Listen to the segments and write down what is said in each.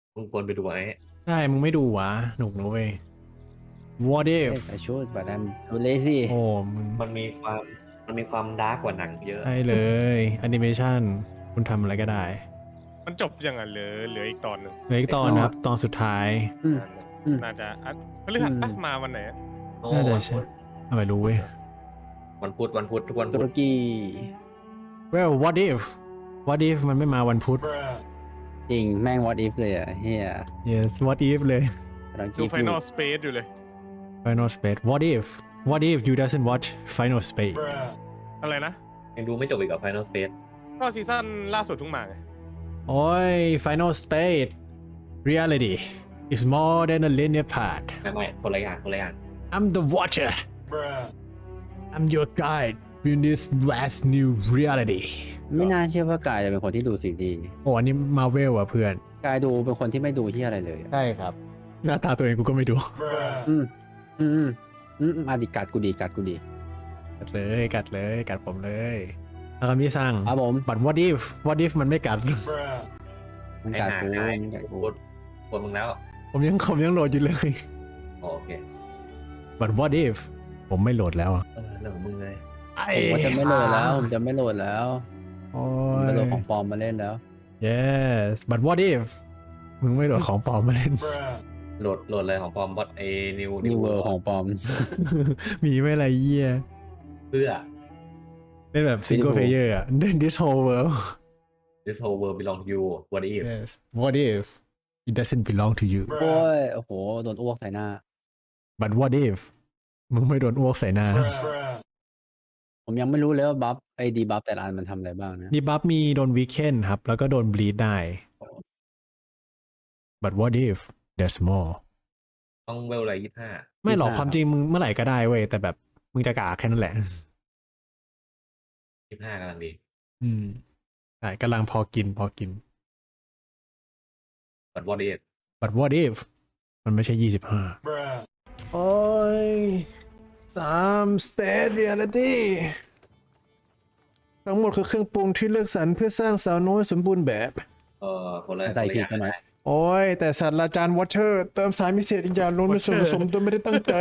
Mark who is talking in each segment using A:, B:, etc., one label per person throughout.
A: มึงควรไปดูไอ้
B: ใช่มึงไม่ดูวะหนุกนะเว้ย What if
C: Yes I should but I'm too lazy
B: โอ้มึง
A: มันมีความมันมีความดาร์กกว่าหนังเยอะ
B: ใช่เลยแอนิเมชันคุณทำอะไรก็ได้
D: มันจบยังไงเหลืออีกตอนหนึ่ง
B: เหลืออีกตอนนะครับตอนสุดท้าย
C: อืม อืม
D: น่าจะพฤหัสปะมาวันไหนอะ
A: โอ้
B: น่าจะ
A: วัน
B: ใช่
A: พุธ
B: ไม่รู้เว้ย
A: วันพุธทุกวัน
C: ตุ
A: พุ
C: ร
A: ธ
C: กี
B: Well what if มันไม่มาวันพุธ
C: จริงแม่ง what if เลยอ่ะเฮีย
B: Yes what if เลย
C: กำลัง
D: ดู
C: คิด
D: ไฟ
C: อน
D: อยู่ ลสเปซอยู่เลย
B: Final Space what if you doesn't watch Final Space
D: อะไรนะ
A: ยังดูไม่จบอีกกับ Final Space
D: ก็ซีซั่นล่าสุดเพิ่งมาไง
B: โอ้ย Final Space reality is more than a linear path
A: ไม่คนละอย่าง
B: I'm the watcher I'm your guide in this last new reality
C: ไม่น่าเชื่อว่ากายจะเป็นคนที่ดูสิ่งดี
B: โอ้อันนี้มาเวลอ่ะเพื่อน
C: กายดูเป็นคนที่ไม่ดูที่อะไรเลยอะ
B: ใช่ครับ หน้าตาตัวเองกูก็ไม่ดู
C: อืมอืมอืมอ่ะดิกัดกูดี
B: กัดผมเลยแล้วก็มีสั่ง
C: ครับผม
B: but what if มันไม่กัด
C: มัน
A: ไอ้
C: กัด
A: ห่า
C: กู
A: ง่าย
C: มันกัดกู
A: ควรมึงแล้ว
B: ผมยังโหลดอยู่เลย
A: โอเค
B: but what if ผมไม่โหลดแล้วอะ
A: เรื่องของมึงเลย
C: ผมว่าจะไม่โหลดแล้วผมจะไม่โหลดแล้ว
B: โอ้
C: ผม
B: ย
C: จะโหลดของปลอมมาเล่นแล้ว
B: yes but what if มึงไม่โหลดของปลอมมาเล่น
A: โหลดเลยของปลอมบอทไอ้นิว
C: New World ของปลอม
B: มีไม่ไรเยี่ย
A: เพื่อ
B: เล่นแบบ single
C: Beautiful
B: player อ่ะ this whole world
A: this whole world belong to you what if
B: yes what if it doesn't belong to you
C: โอ้ย โอ้โห โดนอ้วกใส่หน้า
B: but what if มึงไม่โดนอ้วกใส่หน้า
C: ผมยังไม่รู้เลยว่าบัฟไอ้ดีบัฟแต่ละอันมันทำอะไรบ้างนะ
B: ดีบัฟมีโดนวีเคนครับ แล้วก็โดนบลีดได้ but what if there's more
A: ต้องเวลอะไร25
B: ไม่หรอกความจริงมึงเมื่อไหร่ก็ได้เว้ย แต่แบบมึงจะกากแค่นั้นแหละ
A: 25กำลังดี
B: อืมใช่กำลังพอกิน
A: but what if
B: but what if มันไม่ใช่25โอ้ย3 state reality ทั้งหมดคือเครื่องปรุงที่เลือกสรรเพื่อสร้างสาวน้อยสมบูรณ์แบบ
A: คนละ
C: ใส่
A: คนละ
C: ผิ
A: อ
C: ด
A: ย่าง
C: ไปหน่อย
B: โอ้ย แต่ศาสตราจารย์วอเชอร์เติมสารพิเศษอีกอย่างลงในส่วนผสมโดยไม่ได้ตั้งใจ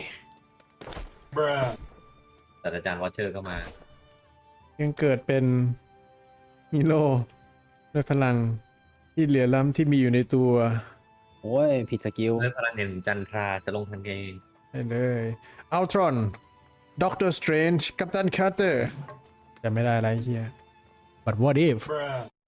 A: แต่อาจารย์วอชเชอร์ก็มา
B: ยังเกิดเป็นฮีโร่ด้วยพลังที่เหลือล้ำที่มีอยู่ในตัว
C: โอ้ย ผิดสกิล
A: ด้วยพลังแห่งจันทราจะลงทันเอง
B: ได้เลยอัลตรอนด็อกเตอร์สเตรนจ์กัปตันคาร์เตอร์จะไม่ได้อะไรเฮีย but what if